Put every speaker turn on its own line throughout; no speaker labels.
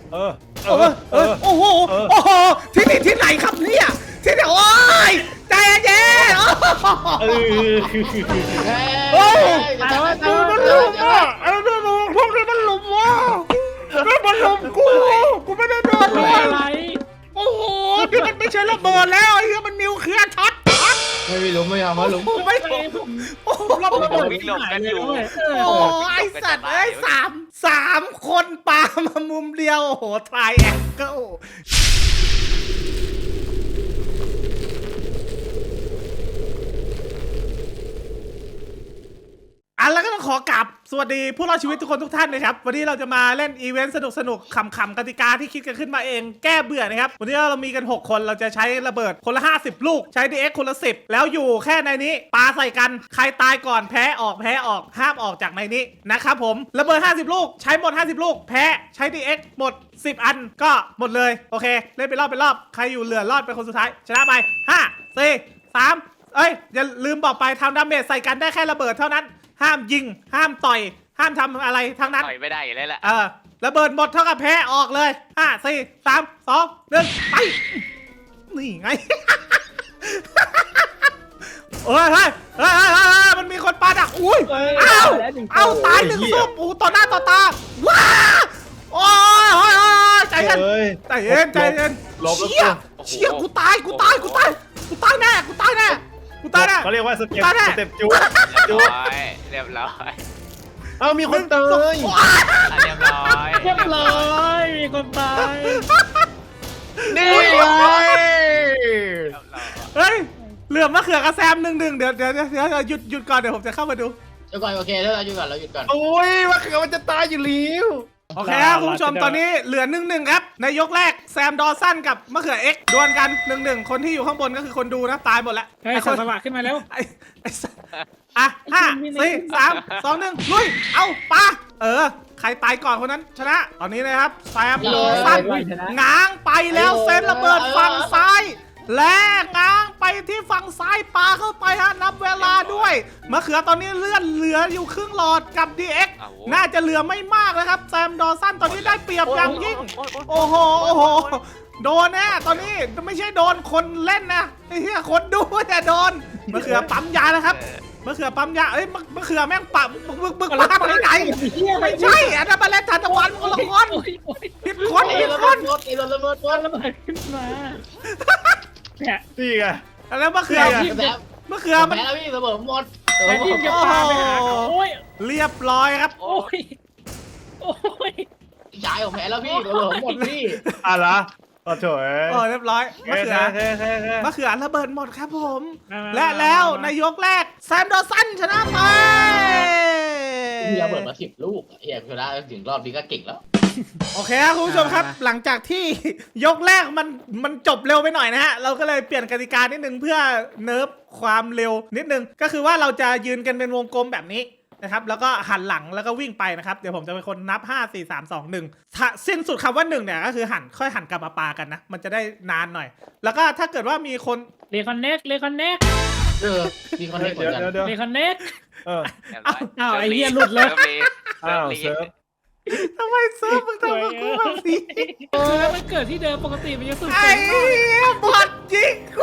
โอ้โหที่นี่ที่ไหนครับเนี่ยที่ไหนโอ้ยใจเย็นโอ้มันลุมอ่ะไอ้นี่พวกนี้มันลุมว่ะมันลุมกูไม่ได้โดนเลยโอ้โหที่มันไม่ใช่ระเบิดแล้วไอ้เหี้ยมันนิวเคลียร์ช็อต
ไม่ลุมไม่เอามาลุม
ไม่โอ้โหระเบิด
วิ่งหลบกันอยู่
โอ้ไอสัตว์เอ้ยสามคนปามามุมเดียวโอ้โหทรายแองเกิลแล้วก็ต้องขอกราบสวัสดีผู้รอดชีวิตทุกคนทุกท่านนะครับวันนี้เราจะมาเล่นอีเวนต์สนุกขำกติกาที่คิดกันขึ้นมาเองแก้เบื่อนะครับวันนี้เรามีกัน6คนเราจะใช้ระเบิดคนละ50ลูกใช้ DX คนละ10แล้วอยู่แค่ในนี้ปาใส่กันใครตายก่อนแพ้ออกห้ามออกจากในนี้นะครับผมระเบิด50ลูกใช้หมด50ลูกแพ้ใช้ DX หมด10อันก็หมดเลยโอเคเล่นไปรอบใครอยู่เหลือรอดเป็นคนสุดท้ายชนะไป5 4 3อย่าลืมบอกไปทำดาเมจใส่กันได้แค่ระเบิดเท่านั้นห้ามยิงห้ามต่อยห้ามทำอะไรทั้งนั้น
ต่อยไม่ได้อยู่แล้วแหละ
ระเบิดหมดเท่ากับแพ้ออกเลย5 4 3 2 1ไปนี่ไงเฮ้ยมันมีคนปาดักอุ้ยเอาตายหนึ่งซุปต่อหน้าต่อตาว้าโอ้ยใจเย็นเชี่ยกูตายแน่
เขาเรียกว่าสเต็ปจู
เรียบร้อย
เอามีคนตาย
เรียบร้อย
มีคนตาย
นี่ไง
เฮ้ยเหลือมะเขือกระแซม1-1เดี๋ยวหยุดก่อนเดี๋ยวผมจะเข้ามาดู
เดี๋ยวก่อนโอเคแล้วเราหยุดก่อน
โอ้ยมะเขือมันจะตายอยู่แล้ว
โอเคครับคุณผู้ชมตอนนี้เหลือ1-1ครับในยกแรกแซมดอสันกับมะเขือเอ็กดวลกัน1-1คนที่อยู่ข้างบนก็คือคนดูนะตายหมดแล้ว
ไอ้คนสว่างขึ้นมาแล้ว
5 4 3 2 1ลุยเอาปาใครตายก่อนคนนั้นชนะตอนนี้นะครับแซมดอสันง้างไปแล้วเซนระเบิดฝั่งซ้ายและง้างไปที่ฝั่งซ้ายปาเข้าไปฮะนับเวลาด้วยมะเขือตอนนี้เลื่อนเหลืออยู่ครึ่งหลอดกับ DX น่าจะเหลือไม่มากแล้วครับแซมดอสันตอนนี้ได้เปรียบอย่างยิ่งโอ้โหโดนแน่ตอนนี้ไม่ใช่โดนคนเล่นนะไอ้เหี้ยคนดูแต่โดนมะเขือปั๊มยานะครับมะเขือปั๊มยามะเขือแม่งปั๊มบึกปั๊มไปไหนไม่ใช่อันนั้นมาเล่นทันตะวันคนละคนผิดคน
ระเบิดขึ้นมา
นี่ไง
แล้วมะเขือ
มันแล้วพี่ระเบิดหมด
ยิงจะปาไปหาเรียบร้อยครับ
โอ้ยยายของแพ้แล้วพี่ระเบิดหมดพี่
อะไรโถ่
เรียบร้อยมะเขือระเบิดหมดครับผมและแล้วในยกแรกแซมดอสันชนะไป
พี่ระเบิดมา10ลูกเฮียชนะถึงรอบนี้ก็เก่งแล้ว
โอเคครับคุณผู้ชมครับหลังจากที่ยกแรกมันจบเร็วไปหน่อยนะฮะเราก็เลยเปลี่ยนกติกานิดนึงเพื่อเนิร์ฟความเร็วนิดนึงก็คือว่าเราจะยืนกันเป็นวงกลมแบบนี้นะครับแล้วก็หันหลังแล้วก็วิ่งไปนะครับเดี๋ยวผมจะเป็นคนนับ5 4 3 2 1ถ้าสิ้นสุดคำว่า1เนี่ยก็คือค่อยหันกลับมาปากันนะมันจะได้นานหน่อยแล้วก็ถ้าเกิดว่ามีคน
เรคอนเน็กมีคอนเน็กเหมือนกันเรคอนเน็กไอ้เหี้ยหลุดเลย
ทำไมเซิร์ฟมึงทำกับกูแบบนี้
แล้วมันเกิดที่เดิมปกติมันจะสุด
ไอ้บอดยิงกู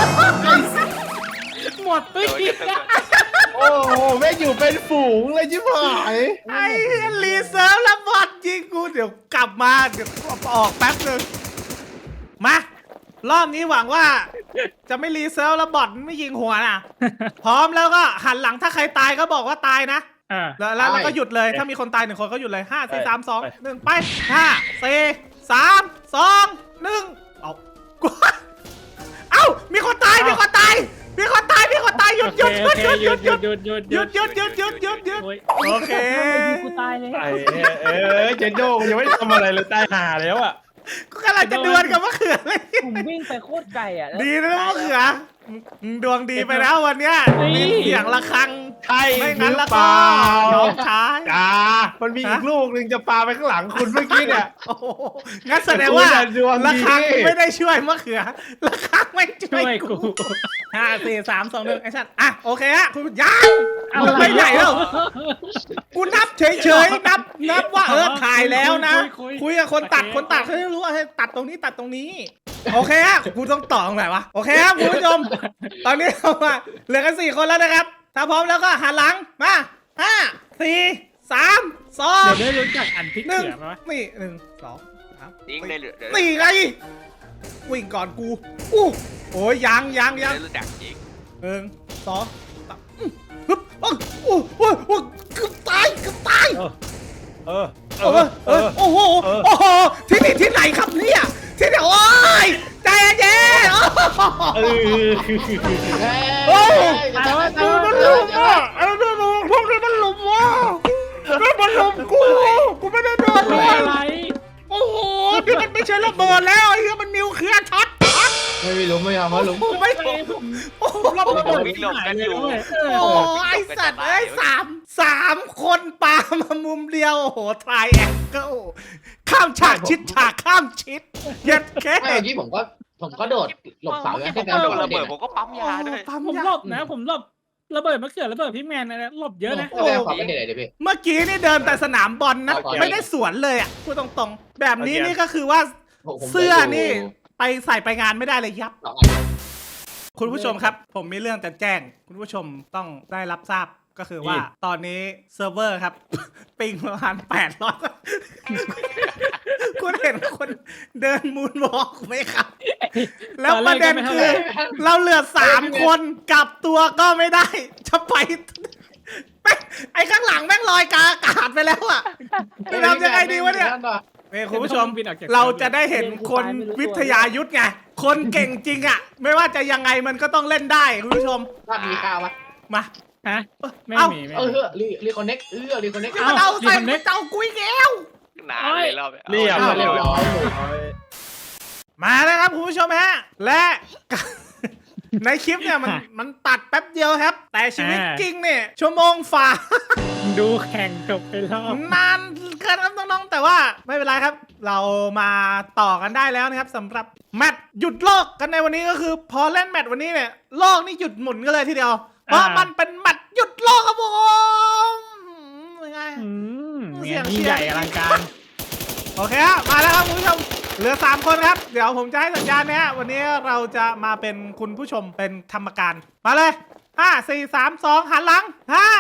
หมดไปอีก
โอ้โหแม่งอยู่เป็นฝูงเลยชิบหาย
ไอ้รีเซิร์ฟแล้วบอดยิงกูเดี๋ยวกลับมาเดี๋ยวออกแป๊บนึงมารอบนี้หวังว่าจะไม่รีเซิร์ฟแล้วบอดไม่ยิงหัวนะพร้อมแล้วก็หันหลังถ้าใครตายก็บอกว่าตายนะแล้วก็หยุดเลยถ้ามีคนตาย1คนก็หยุดเลย5 4 3 2 1ไป5 4 3 2 1เอามีคนตายหยุดหยุดโอเค
กูตายเลย
เจนโจ้ยังไม่ทำอะไรเลยตายห่าแล้วอ่ะ
ก็กำลังจะดวลกับมะเขือเลย
ผมวิ่งไปโคตรไกลอ่ะ
ดีนะมะเขือดวงดีไปแล้ววันเนี้ยมีเสียงระฆัง
ใช่
ไม่งั้นแล้วก็น้องชาย
มันมีอีกลูกหนึ่งจะปาไปข้างหลังคุณเมื่อกี้เนี่ย
งั้นแสดงว่าระฆังไม่ได้ช่วยมะเขือระฆังไม่ช่วยกู5 4 3 2 1ไอ้สัตว์โอเคฮะคุณยังไม่ใหญ่แล้วกูนับเฉยๆนับนับว่าถ่ายแล้วนะ
คุย
คุยกับคนตัด
โอเค
คนตัดเขาจะรู้ว่าให้ตัดตรงนี้ตัดตรงนี้ โอเคฮะกูต้องต่อตรงไหนวะโอเคครับคุณผู้ชม ตอนนี้เรามาเหลือกัน4 คนแล้วนะครับ ถ้าพร้อมแล้วก็หันหลังมา5 4 3
เดี๋ยว
2
ได้รู้จักอันพริก
หนึ่ง
เขือไหมวะ
นี่1 2 3
ยิงเลยเหลือ
นี่ไงวิ่งก่อนกูโอ้ยยัง
รู้จักจริง
1 2 3ฮึบโอ้เกือบตาย
เออ
โอ้โหที่นี่ที่ไหนครับเนี่ยที่ไหนโอ้ยใจเย็นโอ้มันลุมอ่ะพวกนี้มันลุมว่ะมันลุมกูไม่ได้โดนเล
ไม่
ย
อะไร
โอ้โหนี่มันไม่ใช่ระเบิดแล้วไอ้เหี้ยมันนิวเคลียร์ช็อต
ไม่รู้ไม่ทำว่าลุง
ไม่โอ้โห
รอบระเบิดวิ่งหลบกันอยู่
โอ้ไอสัตว์เอ้ยสามคนปามามุมเดียวโอ้โหทรายแองเกิลข้ามฉากชิดฉากข้ามชิดเย็ดแค่
ไม่เมื่อกี้ผมก็โดดหลบเสาแล้ว
ผม
แค่
โด
โด
น
น
ระเบิดผมก็ปั๊มยาด้วย
ปั๊ม
ผม
ยา
หลบนะผมหลบระเบิดมะเขือระเบิดพี่แมนอะไรหลบเยอะนะ
แสดงความเป็นเด็กเลยพี่
เมื่อกี้นี่เดินแต่สนามบอลนะ
โอเค
ไม่ได้สวนเลยอ่ะพูดตรงๆ แบบนี้นี่ก็คือว่าเสื้อนี่ไปใส่ไปงานไม่ได้เลยยับ
สองอัน
คุณผู้ชมครับ ผมมีเรื่องจะแจ้ง คุณผู้ชมต้องได้รับทราบก็คือว่า ตอนนี้เซิร์ฟเวอร์ครับ ปิงประมาณ800 คุณเห็นคนเดินมูนวอล์กไหมครับ แล้วประเด็นคือ เราเหลือ3 คนกลับตัวก็ไม่ได้ จะไปไอ้ข้างหลังแม่งลอยกาอากาศไปแล้วอ่ะจะทำยังไงดีวะเนี่ยคุณผู้ชม เราจะได้เห็นคนวิทยายุทธไง คนเก่งจริงอ่ะ ไม่ว่าจะยังไงมันก็ต้องเล่นได้คุณผู้ชม
ถ้ามีข้าวปะ
มา
ฮะไม่มี
รีคอนเน็กรีคอนเน็ก
มันเอาใส่มันเจ้ากุ้ยแก้ว
นานเลยรอบ
เรียบ
เรียบร้อย
มาแล้วครับคุณผู้ชมฮะ และ ในคลิปเนี่ยมันตัดแป๊บเดียวครับ แต่ชีวิตจริงเนี่ยชั่วโมงฝ่า
ดูแข่งจบไปรอบ
นานเกินครับน้องๆแต่ว่าไม่เป็นไรครับ เรามาต่อกันได้แล้วนะครับสำหรับแมตช์หยุดโลกกันในวันนี้ก็คือพอเล่นแมตช์วันนี้เนี่ยโลกนี่หยุดหมุนกันเลยทีเดียว เพราะมันเป็นแมตช์หยุดโลกครับผมยังไง
เนี่ยยิ่งใหญ่อลังการ
โอเคฮะมาแล้วครับคุณผู้ชมเหลือ3 คนครับเดี๋ยวผมจะให้สัญญาณนะฮะวันนี้เราจะมาเป็นคุณผู้ชมเป็นธรรมการมาเลย5 4 3 2หันหลัง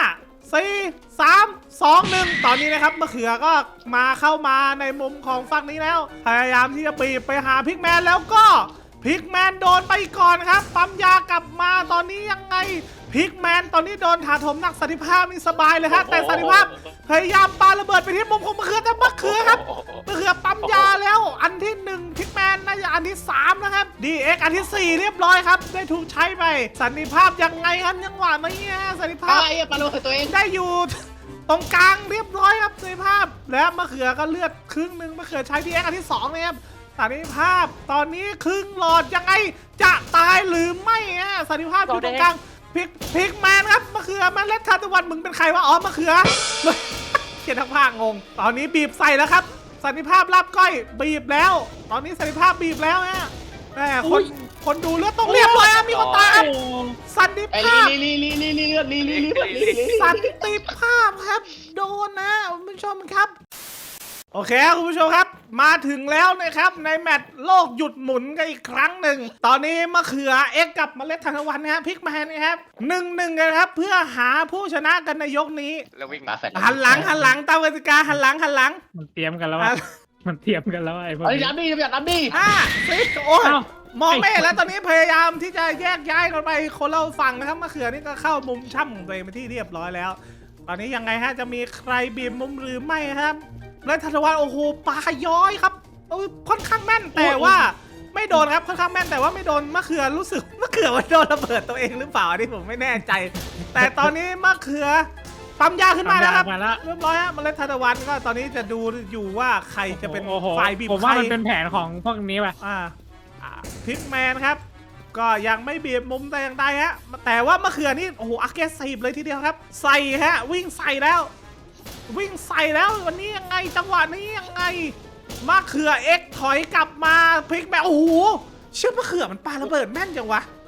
5 4 3 2 1ตอนนี้นะครับมะเขือก็เข้ามาในมุมของฝั่งนี้แล้วพยายามที่จะบีบไปหาพิกแมนแล้วก็พิกแมนโดนไปก่อนครับปั๊มยากลับมาตอนนี้ยังไงพิกแมนตอนนี้โดนถาโถมหนักสันติภาพนี่สบายเลยฮะแต่สันติภาพพยายามปาระเบิดไปที่มุมของมะเขือแต่มะเขือครับมะเขือปั๊มยาแล้วอันที่1พิกแมนน่าจะอันที่3นะครับ DX อันที่4เรียบร้อยครับได้ถูกใช้ไปสันติภาพยังไงครับยังหวานไหมเนี่ยสันติภาพ
ไอ้ปลาโลตัวเอง
ได้อยู่ตรงกลางเรียบร้อยครับสันติภาพและมะเขือก็เลือดครึ่งหนึ่งมะเขือใช้ DX อันที่2นะครับสันติภาพตอนนี้ครึ่งหลอดยังไงจะตายหรือไม่ฮะสันติภาพอยู่ตรงกลางพิกแมนครับมะเขือมาเล่นทานตะวันมึงเป็นใครวะอ๋อมะเขือเขียนทั้งภาคงงตอนนี้บีบใส่แล้วครับสันติภาพรับก้อยบีบแล้ว ตอนนี้สันติภาพบีบแล้วฮะแม่คนดูเลือดต้องเรียบร้อยมีคนตายครับสันติ
ไอ้
ภาพ
ลี
สันติภาพครับโดนนะคุณผู้ชมครับโอเคคุณผู้ชมครับมาถึงแล้วนะครับในแมตช์โลกหยุดหมุนกันอีกครั้งหนึ่งตอนนี้มะเขือเอ็กกับเมล็ดทานตะวันนะครับพิกแมนนะครับ1-1กันครับเพื่อหาผู้ชนะกันในยกนี้
แล้ววิ่ง
ปลาแฟด
หันหลังตามกติกาหันหลัง
มันเตรียมกันแล้วมันเตรียมกันแล้วไอ้พวก
ไอ้
นี้
น้ำดีอยากน้ำดี
5 4โอ้ยมองไม่เห็นแล้วตอนนี้พยายามที่จะแยกย้ายกันไปคนเราฝั่งนะครับมะเขือนี่ก็เข้ามุมช่ำของตัวเองไปที่เรียบร้อยแล้ว ตอนนี้ยังไงฮะจะมีใครบีบมุมหรือไม่ครับและธันวันโอ้โหปลาย้อยครับค่อนข้างแม่นแต่ว่าไม่โดนครับค่อนข้างแม่นแต่ว่าไม่โดนมะเขือรู้สึกมะเขือว่าโดนระเบิดตัวเองหรือเปล่าอันนี้ผมไม่แน่ใจ แต่ตอนนี้มะเขือปั๊มยาขึ้นมาแล้วครับเรียบร้อยฮะเมล็ดทานตะวันก็ตอนนี้จะดูอยู่ว่าใครจะเป็นฝ่ายบีบ
ผมว่ามันเป็นแผนของพวกนี้ป่ะ
พิกแมนครับก็ยังไม่บีบมุมแต่อย่างใดฮะแต่ว่ามะเขือนี่โอ้โหอักเกซีฟเลยทีเดียวครับใส่ฮะวิ่งใส่แล้ววันนี้ยังไงจังหวะนี้ยังไงมะเขือเอ็กถอยกลับมาพลิกแบบโอ้โหเชื่อมะเขือมันปาระเบิดแม่นจังวะ
โอ้โห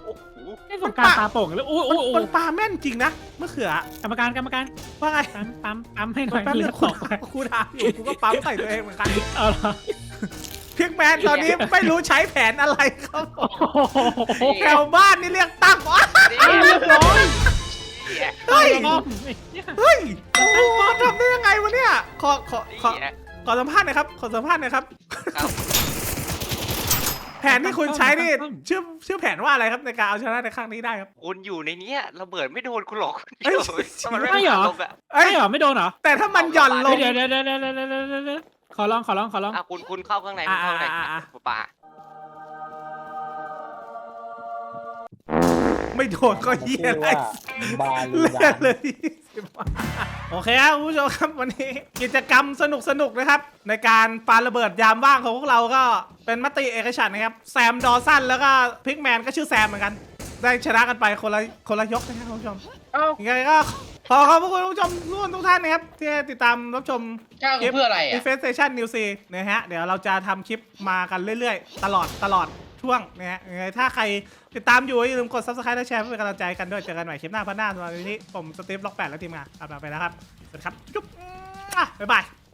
ไอ้สงการตาโป่งเลยโอ้โอ้โอ้
มันปลาแม่นจริงนะมะเขือก
รรมการ
ว่าไง
ปั๊มให้หน่อย
แป๊บ
เลื
นึ
อง ด
กู
ตกไป
กูถามอยู่กูก็ปั๊มใส่ตัวเองเหมือนกัน
เอาละ
พิกแมนตอนนี้ไม่รู้ใช้แผนอะไรครับ
โอ้โห
แถวบ้านนี่เรียกตั้งอ๋อ
เรียบร้อย
เฮ้ย
เนี่ย
เฮ้ยโอ้โหทำได้ยังไงวะเนี่ยขอสัมภาษณ์หน่อยครับขอสัมภาษณ์หน่อยครับ แผนที่คุณใช้นี่ชื่อแผนว่าอะไรครับในการเอาชนะในครั้งนี้ได้ครับ
คุณอยู่ในเนี้ยระเบิดไม่โดนคุณหรอก
เอ้ย
ถ้ามันไม่
ไม่เหรอ
ลงอะ
เอ้ย
ไม่เหรอไม่โดนเหรอ
แต่ถ้ามันหย่อนลง
เดี๋ยวขอลอง
อ่ะคุณเข้าข้างในคุณเข้าข้างใน ป่า
ไม่โดนก็เหี้ยอะไร
บาลู
เลื
ดา
อดเลยโอเคครับคุณผู้ชมครับวันนี้กิจกรรมสนุกนะครับ ในการปาระเบิดยามว่างของพวกเราก็เป็นมติเอกฉันท์นะครับแซมดอสันแล้วก็พิกแมนก็ชื่อแซมเหมือนกัน ได้ชนะกันไปคนละยกนะครับคุณผู้ชมยังไงก็ขอขอบคุณผู้ชมทุกท่านนะครับที่ติดตามรับชม
เจ้าเพื่ออะไรอ่ะ
Defense Station New C นะฮะเดี๋ยวเราจะทำคลิปมากันเรื่อยๆ ตลอดช่วงนะฮะยังไงถ้าใครติดตามอยู่อย่าลืมกด Subscribe และแชร์เพื่อเป็นกำลังใจกันด้วยเจอกันใหม่คลิปหน้าพันหน้าสำหรับวันนี้ผมสตีฟล็อก8และทีมงานลาไปแล้วครับสวัสดีครับจุ๊บบ๊ายบาย